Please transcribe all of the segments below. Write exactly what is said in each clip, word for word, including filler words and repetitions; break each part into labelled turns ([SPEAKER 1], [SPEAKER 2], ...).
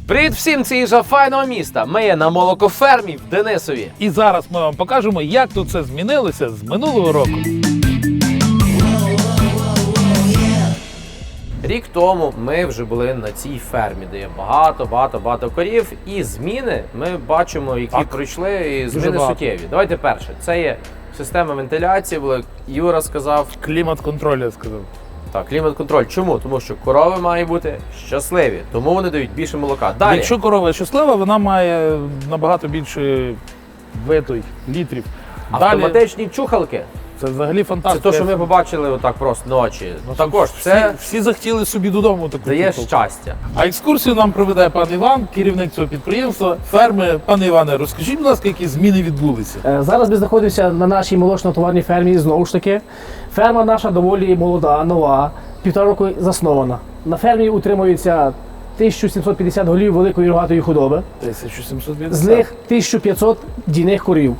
[SPEAKER 1] Привіт всім, це Іжа файного міста. Ми є на молокофермі в Денисові.
[SPEAKER 2] І зараз ми вам покажемо, як тут це змінилося з минулого року.
[SPEAKER 1] Рік тому ми вже були на цій фермі, де є багато-багато-багато корів. І зміни ми бачимо, які
[SPEAKER 2] Так.
[SPEAKER 1] пройшли, і
[SPEAKER 2] Дуже
[SPEAKER 1] зміни
[SPEAKER 2] багато.
[SPEAKER 1] суттєві. Давайте перше. Це є система вентиляції, була, Юра сказав.
[SPEAKER 2] Клімат-контроль, я сказав.
[SPEAKER 1] Так, клімат-контроль. Чому? Тому що корови мають бути щасливі, тому вони дають більше молока. Далі.
[SPEAKER 2] Якщо корова щаслива, вона має набагато більше витой, літрів. Далі,
[SPEAKER 1] Автоматичні чухалки.
[SPEAKER 2] це взагалі
[SPEAKER 1] Це
[SPEAKER 2] фантастика.
[SPEAKER 1] те, що ми побачили отак просто ночі.
[SPEAKER 2] Ну,
[SPEAKER 1] Також
[SPEAKER 2] всі,
[SPEAKER 1] це
[SPEAKER 2] всі захотіли собі додому таку
[SPEAKER 1] дає
[SPEAKER 2] куколку.
[SPEAKER 1] щастя.
[SPEAKER 2] А екскурсію нам проведе пан Іван, керівник цього підприємства, ферми. Пане Іване, розкажіть, будь ласка, які зміни відбулися?
[SPEAKER 3] Е, Зараз ми знаходимося на нашій молочно-товарній фермі, знову ж таки. Ферма наша доволі молода, нова, півтора року заснована. На фермі утримується тисяча сімсот п'ятдесят голів великої рогатої худоби,
[SPEAKER 2] тисяча сімсот п'ятдесят.
[SPEAKER 3] з них тисяча п'ятсот дійних корів.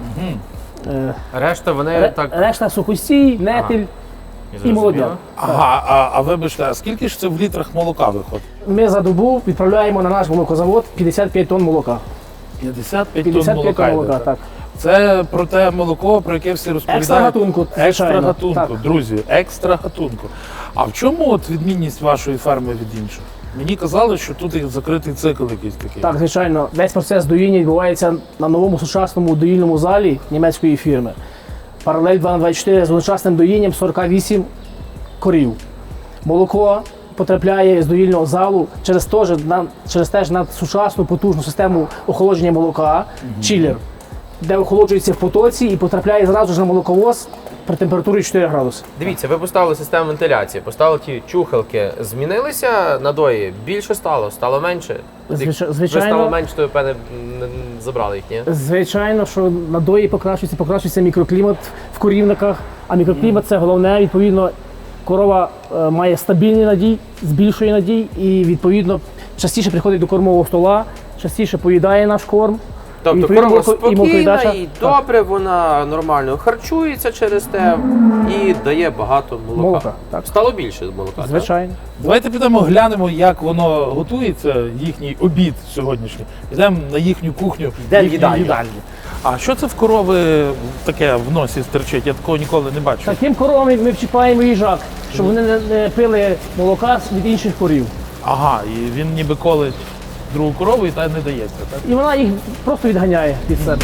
[SPEAKER 3] Е,
[SPEAKER 1] Решта вони
[SPEAKER 3] ре-
[SPEAKER 1] так.
[SPEAKER 3] Решта сухостій, нетель і молодя.
[SPEAKER 2] Ага, а, а вибачте, а скільки ж це в літрах молока виходить?
[SPEAKER 3] Ми за добу відправляємо на наш молокозавод п'ятдесят п'ять тонн молока.
[SPEAKER 2] п'ятдесят п'ять тонн
[SPEAKER 3] п'ятдесят п'ять
[SPEAKER 2] молока.
[SPEAKER 3] тонн молока,
[SPEAKER 2] йде.
[SPEAKER 3] так.
[SPEAKER 2] Це про те молоко, про яке всі розповідають.
[SPEAKER 3] Екстра гатунку,
[SPEAKER 2] Екстра
[SPEAKER 3] звичайно.
[SPEAKER 2] гатунку,
[SPEAKER 3] Так.
[SPEAKER 2] друзі, екстра гатунку. А в чому от відмінність вашої ферми від інших? Мені казали, що тут є закритий цикл якийсь такий.
[SPEAKER 3] Так, звичайно, весь процес доїння відбувається на новому сучасному доїльному залі німецької фірми. Паралель два на двадцять чотири з одночасним доїнням сорок вісім корів. Молоко потрапляє з доїльного залу через те ж на, через теж на сучасну потужну систему охолодження молока, чилер, де охолоджується в потоці і потрапляє зразу ж на молоковоз при температурі чотири градуси.
[SPEAKER 1] Дивіться, ви поставили систему вентиляції, поставили ті чухалки. Змінилися надої? Більше стало? Стало менше?
[SPEAKER 3] Звичай-
[SPEAKER 1] Ви
[SPEAKER 3] звичайно.
[SPEAKER 1] стало менше, то ви, певне, н- н- забрали їх, ні?
[SPEAKER 3] Звичайно, що надої покращується, покращується мікроклімат в корівниках, а мікроклімат це головне. Відповідно, корова е, має стабільний надій, збільшує надій і відповідно частіше приходить до кормового стола, частіше поїдає наш корм.
[SPEAKER 1] Тобто
[SPEAKER 3] Відповідно,
[SPEAKER 1] корова
[SPEAKER 3] молоко- і молокоїдача-
[SPEAKER 1] спокійна і
[SPEAKER 3] так.
[SPEAKER 1] добре, вона нормально харчується через те і дає багато молока.
[SPEAKER 3] Молока, так.
[SPEAKER 1] Стало більше молока, так?
[SPEAKER 3] Звичайно.
[SPEAKER 2] Давайте підемо глянемо, як воно готується, їхній обід сьогоднішній. Підемо на їхню кухню,
[SPEAKER 1] Йдемо в
[SPEAKER 2] їхню
[SPEAKER 1] їдальню.
[SPEAKER 2] їдальню. А що це в корови таке в носі стерчить? Я такого ніколи не бачив.
[SPEAKER 3] Таким коровам ми вчіпаємо їжак, щоб вони не, не пили молока від інших корів.
[SPEAKER 2] Ага, і він ніби колить другу корову і та не дається, так?
[SPEAKER 3] І вона їх просто відганяє від себе.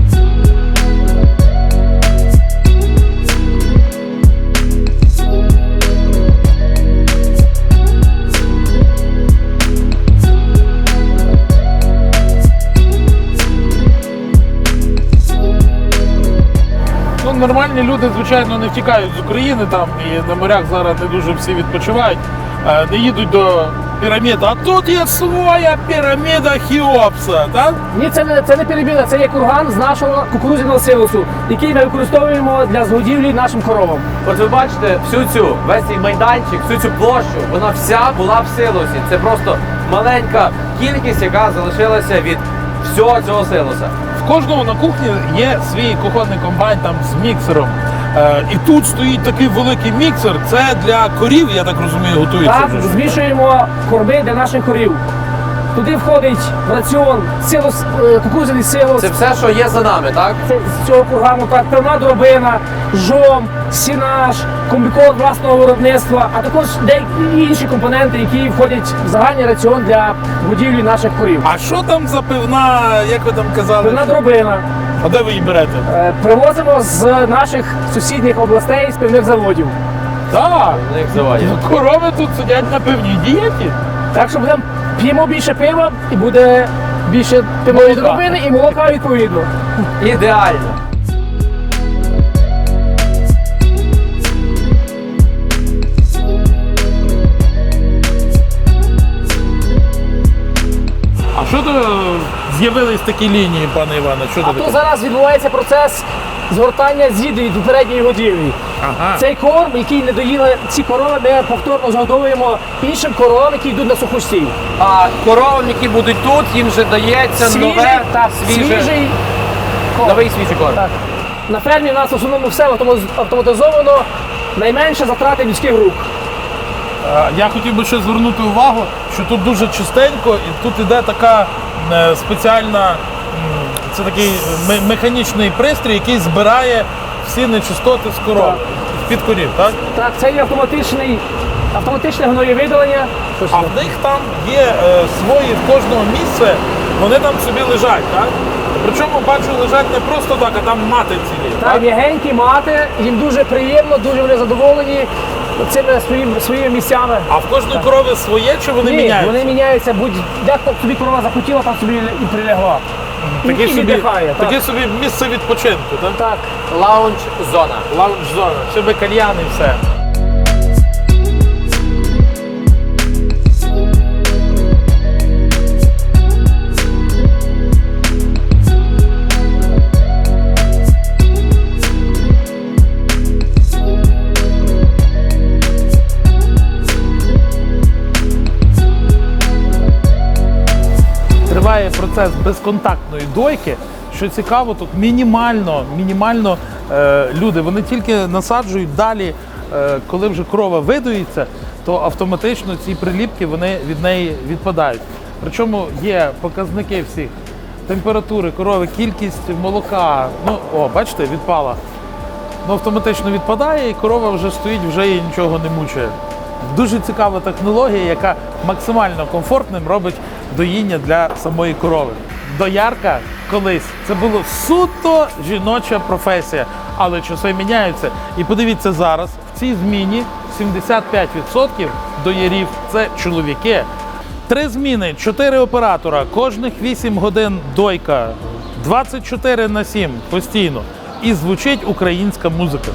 [SPEAKER 2] Ну, нормальні люди, звичайно, не втікають з України там і на морях зараз не дуже всі відпочивають, е, не їдуть до пірамід. А тут є своя піраміда Хеопса, так?
[SPEAKER 3] Ні, це не, це не піраміда, це є курган з нашого кукурудзяного силосу, який ми використовуємо для згодівлі нашим коровам.
[SPEAKER 1] От ви бачите, всю цю, весь цей майданчик, всю цю площу, вона вся була в силосі. Це просто маленька кількість, яка залишилася від всього цього силоса.
[SPEAKER 2] В кожного на кухні є свій кухонний комбайн там з міксером. Е, і тут стоїть такий великий міксер. Це для корів, я так розумію, готується
[SPEAKER 3] Так,
[SPEAKER 2] вже.
[SPEAKER 3] змішуємо корми для наших корів. Туди входить в раціон силос, е, кукурудзяний силос.
[SPEAKER 1] Це все, що є за нами, так?
[SPEAKER 3] Це з цього кургану так, певна дробина, жом, сінаж, комбікорм власного виробництва, а також деякі інші компоненти, які входять в загальний раціон для годівлі наших корів.
[SPEAKER 2] А що там за пивна, як ви там казали?
[SPEAKER 3] Певна дробина.
[SPEAKER 2] А де ви її берете?
[SPEAKER 3] Е, Привозимо з наших сусідніх областей, з пивних заводів.
[SPEAKER 2] Так,
[SPEAKER 1] На них заводять.
[SPEAKER 2] корови тут сидять на пивній дієті.
[SPEAKER 3] Так що будемо п'ємо більше пива і буде більше пивної
[SPEAKER 2] Молока.
[SPEAKER 3] дробини і молока відповідно.
[SPEAKER 1] Ідеально.
[SPEAKER 2] А що то з'явились такі лінії, пане Іване? Що
[SPEAKER 3] А
[SPEAKER 2] то
[SPEAKER 3] то
[SPEAKER 2] таке?
[SPEAKER 3] зараз відбувається процес згортання з'їду від попередньої годівлі.
[SPEAKER 2] Ага.
[SPEAKER 3] Цей корм, який не доїли ці корови, ми повторно згодовуємо іншим коровам, які йдуть на сухостій.
[SPEAKER 1] А коровам, які будуть тут, їм вже дається
[SPEAKER 3] Свіжий,
[SPEAKER 1] нове,
[SPEAKER 3] так,
[SPEAKER 1] свіже,
[SPEAKER 3] свіжий корм.
[SPEAKER 1] новий свіжий корм.
[SPEAKER 3] Так. На фермі у нас в основному все автоматизовано, найменше затрати людських рук.
[SPEAKER 2] Е, Я хотів би ще звернути увагу, що тут дуже чистенько і тут іде така е, спеціальна, м, це такий ме- механічний пристрій, який збирає всі нечистоти з коров, під корів, так?
[SPEAKER 3] Так, це є автоматичний, автоматичне гноєвидалення.
[SPEAKER 2] А в них там є е, свої в кожного місце, вони там собі лежать, так? Причому бачу, лежать не просто так, а там мати цілі.
[SPEAKER 3] Так, м'ягенькі мати, їм дуже приємно, дуже вони задоволені цими своїми, своїми місцями.
[SPEAKER 2] А в кожної корови своє чи вони
[SPEAKER 3] Ні,
[SPEAKER 2] міняються?
[SPEAKER 3] вони міняються, будь як тобі корова захотіла, там собі і прилягла.
[SPEAKER 2] Таке
[SPEAKER 3] і
[SPEAKER 2] собі,
[SPEAKER 3] віддихає. Так.
[SPEAKER 2] таке собі місце відпочинку, так?
[SPEAKER 3] Так.
[SPEAKER 1] Лаунж-зона.
[SPEAKER 2] Лаунж-зона, ще би кальян і все. Триває процес безконтактної дойки. Що цікаво, тут мінімально, мінімально е, люди, вони тільки насаджують далі, е, коли вже корова видоїться, то автоматично ці приліпки вони від неї відпадають. Причому є показники всіх температури корови, кількість молока. Ну, о, бачите, відпала. Ну, автоматично відпадає, і корова вже стоїть, вже її нічого не мучає. Дуже цікава технологія, яка максимально комфортним робить доїння для самої корови. Доярка колись це була суто жіноча професія, але часи міняються. І подивіться зараз, в цій зміні сімдесят п'ять відсотків доярів це чоловіки. Три зміни, чотири оператора, кожних вісім годин дойка, двадцять чотири на сім постійно. І звучить українська музика.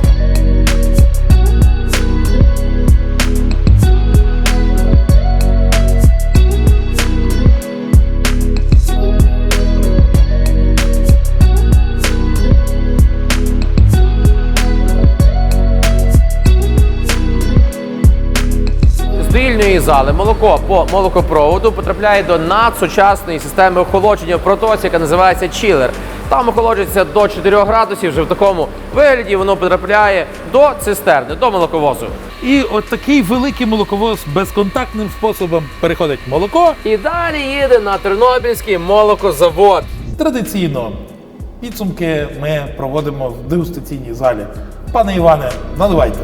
[SPEAKER 1] З доїльної зали молоко по молокопроводу потрапляє до надсучасної системи охолодження в протоці, яка називається чілер. Там охолоджується до чотирьох градусів, вже в такому вигляді воно потрапляє до цистерни, до молоковозу.
[SPEAKER 2] І от такий великий молоковоз безконтактним способом переходить молоко.
[SPEAKER 1] І далі їде на Тернопільський молокозавод.
[SPEAKER 2] Традиційно підсумки ми проводимо в дегустаційній залі. Пане Іване, наливайте.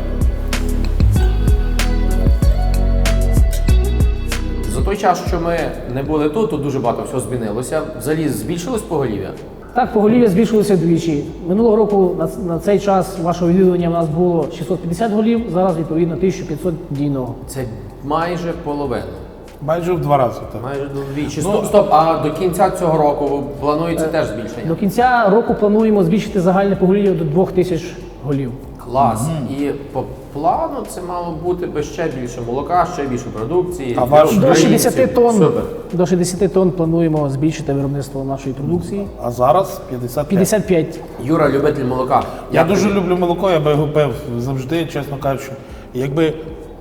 [SPEAKER 1] За той час, що ми не були тут, тут дуже багато всього змінилося. Взагалі збільшилось поголів'я?
[SPEAKER 3] Так, поголів'я збільшилося вдвічі. Минулого року на, на цей час вашого відвідування у нас було шістсот п'ятдесят голів, зараз відповідно тисяча п'ятсот дійного.
[SPEAKER 1] Це майже половина.
[SPEAKER 2] Майже в два рази. Так.
[SPEAKER 1] Майже вдвічі.
[SPEAKER 2] Ну,
[SPEAKER 1] Стоп, стоп, а до кінця цього року планується теж збільшення?
[SPEAKER 3] До кінця року плануємо збільшити загальне поголів'я до двох тисяч голів.
[SPEAKER 1] Клас. І по плану це мало бути би ще більше молока, ще більше продукції.
[SPEAKER 2] А ваш-
[SPEAKER 3] До
[SPEAKER 1] Українців.
[SPEAKER 3] шістдесят тонн,
[SPEAKER 1] Супер.
[SPEAKER 3] до шістдесят тонн плануємо збільшити виробництво нашої продукції.
[SPEAKER 2] А зараз п'ятдесят п'ять.
[SPEAKER 3] п'ятдесят п'ять.
[SPEAKER 1] Юра, любитель молока.
[SPEAKER 2] Я
[SPEAKER 1] Як
[SPEAKER 2] дуже
[SPEAKER 1] тобі?
[SPEAKER 2] люблю молоко, я би його пив завжди, чесно кажучи. І якби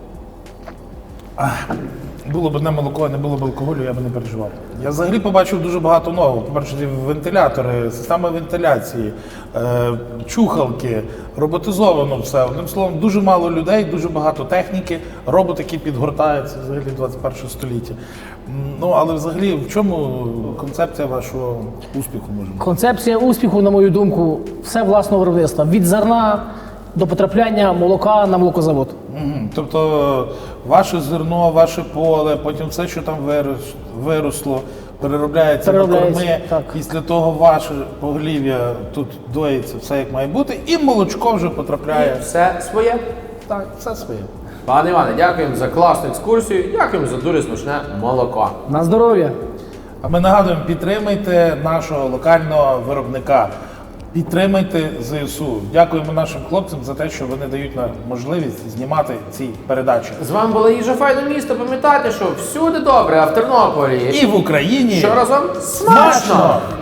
[SPEAKER 2] ах, було б одне молоко, а не було б алкоголю, я б не переживав. Я взагалі побачив дуже багато нового. По-перше, ці вентилятори, система вентиляції, е, чухалки, роботизовано все. Одним словом, дуже мало людей, дуже багато техніки, робот, який підгортається взагалі в двадцять перше століття. М, Ну, але взагалі, в чому концепція вашого успіху, може бути?
[SPEAKER 3] Концепція успіху, на мою думку, все власного виробництва. Від зерна до потрапляння молока на молокозавод.
[SPEAKER 2] Мгм. Тобто ваше зерно, ваше поле, потім все, що там вирос- виросло, переробляється на
[SPEAKER 3] Переробляється,
[SPEAKER 2] корми.
[SPEAKER 3] так.
[SPEAKER 2] Після того ваше поголів'я тут доїться, все як має бути, і молочко вже потрапляє.
[SPEAKER 1] Все своє.
[SPEAKER 2] Так, все своє.
[SPEAKER 1] Пане Іване, дякуємо за класну екскурсію, дякуємо за дуже смачне молоко.
[SPEAKER 3] На здоров'я!
[SPEAKER 2] А ми нагадуємо, підтримайте нашого локального виробника. Підтримайте ЗСУ. Дякуємо нашим хлопцям за те, що вони дають нам можливість знімати ці передачі.
[SPEAKER 1] З вами була їжа файне місто. Пам'ятайте, що всюди добре, а в Тернополі
[SPEAKER 2] І в Україні
[SPEAKER 1] що разом
[SPEAKER 2] смачно!